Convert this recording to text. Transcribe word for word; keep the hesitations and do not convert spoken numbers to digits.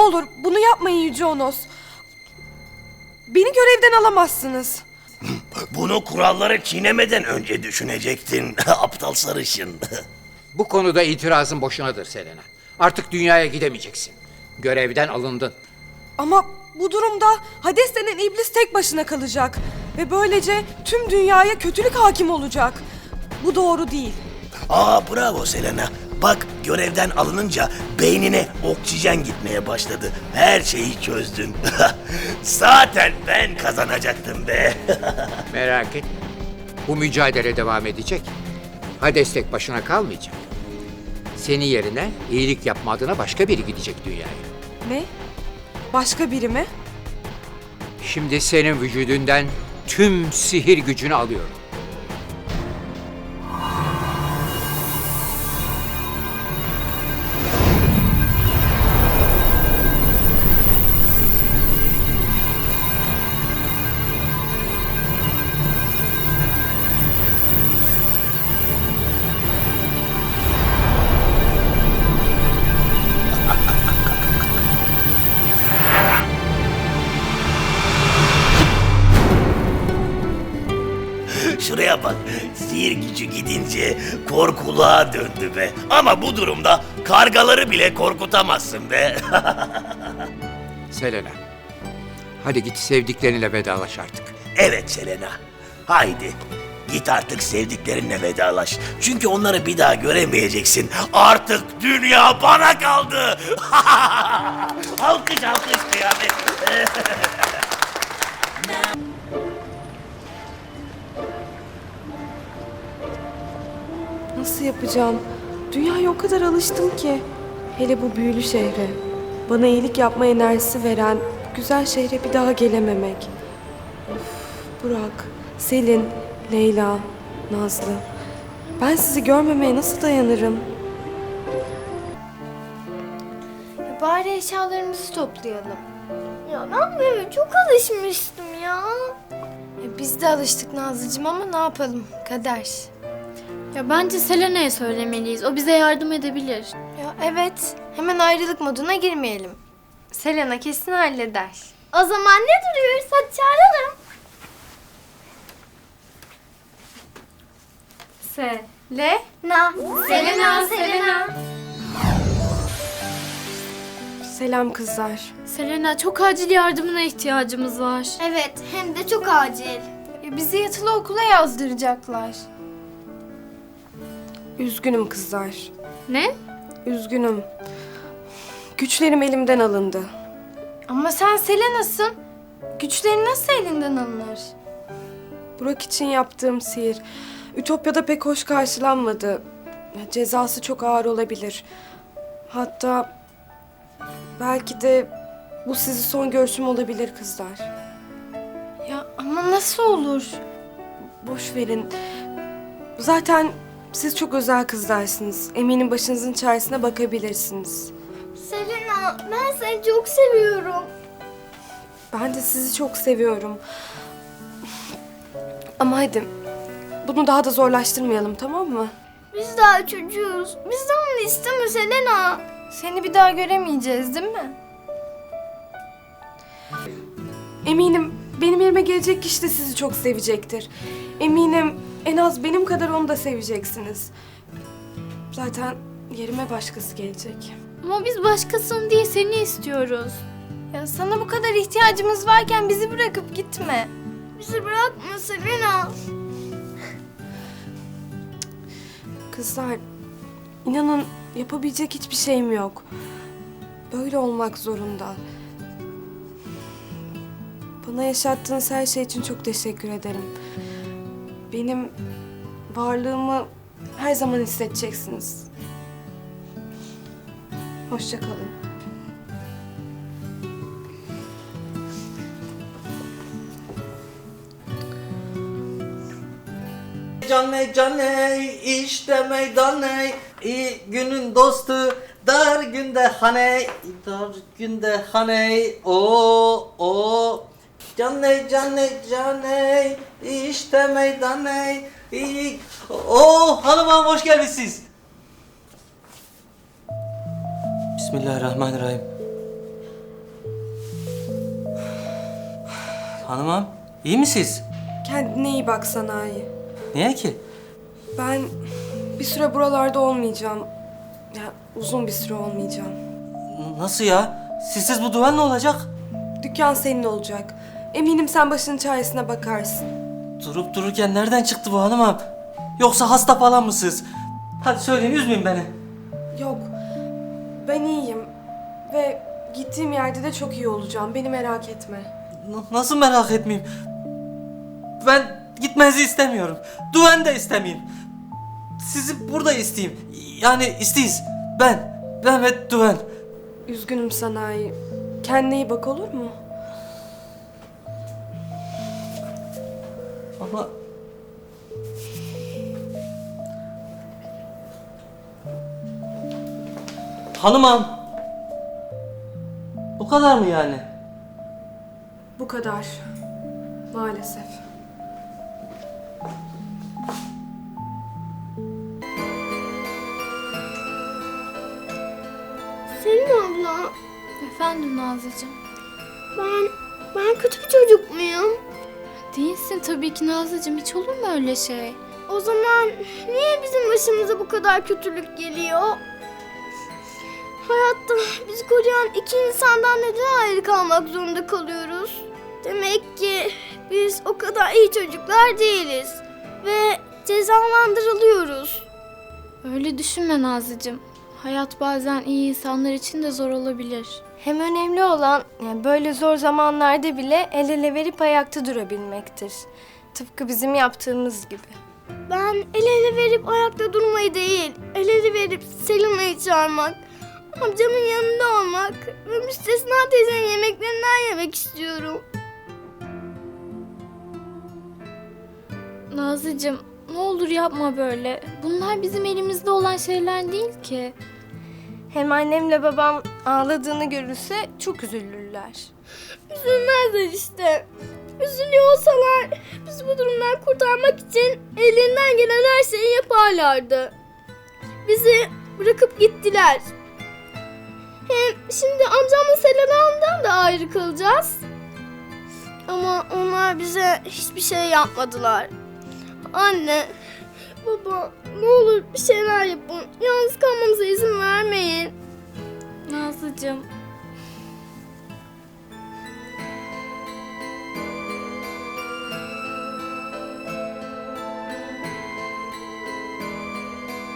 olur bunu yapmayın Yüce Onos. Beni görevden alamazsınız. Bunu kuralları çiğnemeden önce düşünecektin aptal sarışın. Bu konuda itirazın boşunadır Selena. Artık dünyaya gidemeyeceksin. Görevden alındın. Ama bu durumda Hades denen iblis tek başına kalacak. Ve böylece tüm dünyaya kötülük hakim olacak. Bu doğru değil. Aa bravo Selena. Bak görevden alınınca beynine oksijen gitmeye başladı. Her şeyi çözdün. Zaten ben kazanacaktım be. Merak etme. Bu mücadele devam edecek. Hades tek başına kalmayacak. Senin yerine iyilik yapma adına başka biri gidecek dünyaya. Ne? Başka biri mi? Şimdi senin vücudundan tüm sihir gücünü alıyorum. Şuraya bak, sihir gücü gidince korkuluğa döndü be. Ama bu durumda kargaları bile korkutamazsın be. Selena, hadi git sevdiklerinle vedalaş artık. Evet Selena, haydi git artık sevdiklerinle vedalaş. Çünkü onları bir daha göremeyeceksin. Artık dünya bana kaldı. Alkış alkış kıyamet. Nasıl yapacağım? Dünyaya o kadar alıştım ki. Hele bu büyülü şehre. Bana iyilik yapma enerjisi veren bu güzel şehre bir daha gelememek. Of, Burak, Selin, Leyla, Nazlı. Ben sizi görmemeye nasıl dayanırım? Ya bari eşyalarımızı toplayalım. Ya ben bu eve çok alışmıştım ya. E, biz de alıştık Nazlıcığım ama ne yapalım? Kader. Ya bence Selena'ya söylemeliyiz. O bize yardım edebilir. Ya evet. Hemen ayrılık moduna girmeyelim. Selena kesin halleder. O zaman ne duruyoruz? Hadi çağıralım. Selena. Selena, Selena. Selam kızlar. Selena, çok acil yardımına ihtiyacımız var. Evet, hem de çok acil. E, bizi yatılı okula yazdıracaklar. Üzgünüm kızlar. Ne? Üzgünüm. Güçlerim elimden alındı. Ama sen Selena'sın. Güçlerin nasıl elinden alınır? Burak için yaptığım sihir Ütopya'da pek hoş karşılanmadı. Cezası çok ağır olabilir. Hatta belki de bu sizi son görüşüm olabilir kızlar. Ya ama nasıl olur? Boş verin. Zaten siz çok özel kızlarsınız. Eminim başınızın çaresine bakabilirsiniz. Selena, ben seni çok seviyorum. Ben de sizi çok seviyorum. Ama hadi bunu daha da zorlaştırmayalım, tamam mı? Biz daha çocuğuz. Bizden onu isteme Selena. Seni bir daha göremeyeceğiz değil mi? Eminim benim yerime gelecek kişi de sizi çok sevecektir. Eminim en az benim kadar onu da seveceksiniz. Zaten yerime başkası gelecek. Ama biz başkasını değil, seni istiyoruz. Ya sana bu kadar ihtiyacımız varken bizi bırakıp gitme. Bizi bırakma Selena. Kızlar, inanın yapabilecek hiçbir şeyim yok. Böyle olmak zorunda. Bana yaşattığınız her şey için çok teşekkür ederim. Benim varlığımı her zaman hissedeceksiniz. Hoşça kalın. Caney caney işte meydaney iyi günün dostu dar günde haney dar günde haney o o caney caney caney işte meydaney iyi o hanım hanım hoş geldiniz. Bismillahirrahmanirrahim. Hanımım, iyi misiniz? Kendine iyi bak Sanayi. Niye ki? Ben bir süre buralarda olmayacağım. Ya uzun bir süre olmayacağım. N- Nasıl ya? Sizsiz bu duvar ne olacak? Dükkan senin olacak. Eminim sen başının çaresine bakarsın. Durup dururken nereden çıktı bu hanımım? Yoksa hasta falan mısınız? Hadi söyleyin, üzmeyin beni. Yok, ben iyiyim. Ve gittiğim yerde de çok iyi olacağım. Beni merak etme. N- nasıl merak etmeyeyim? Ben gitmenizi istemiyorum. Duven de istemeyeyim. Sizi burada isteyeyim. Yani isteyiz. Ben. Ben ve Duven. Üzgünüm Sanayi. Kendine iyi bak, olur mu? Ama... Hanımam. Bu kadar mı yani? Bu kadar. Maalesef. Selin abla, Efendim Nazlıcığım. ben, ben kötü bir çocuk muyum? Değilsin tabii ki Nazlıcığım. Hiç olur mu öyle şey? O zaman niye bizim başımıza bu kadar kötülük geliyor? Hayatta bizi koruyan iki insandan neden ayrı kalmak zorunda kalıyoruz? Demek ki biz o kadar iyi çocuklar değiliz ve cezalandırılıyoruz. Öyle düşünme Nazlıcığım. Hayat bazen iyi insanlar için de zor olabilir. Hem önemli olan yani böyle zor zamanlarda bile el ele verip ayakta durabilmektir. Tıpkı bizim yaptığımız gibi. Ben el ele verip ayakta durmayı değil, el ele verip Selina'yı çağırmak, amcamın yanında olmak ve Müstesna teyzenin yemeklerinden yemek istiyorum. Nazlıcığım ne olur yapma böyle. Bunlar bizim elimizde olan şeyler değil ki. Hem annemle babam ağladığını görürse çok üzülürler. Üzülmezler işte. Üzülüyor olsalar bizi bu durumdan kurtarmak için ellerinden gelen her şeyi yaparlardı. Bizi bırakıp gittiler. Hem şimdi amcamla Selena'dan da ayrı kalacağız. Ama onlar bize hiçbir şey yapmadılar. Anne, baba ne olur bir şeyler yapın. Yalnız kalmamıza izin vermeyin. Nazlıcığım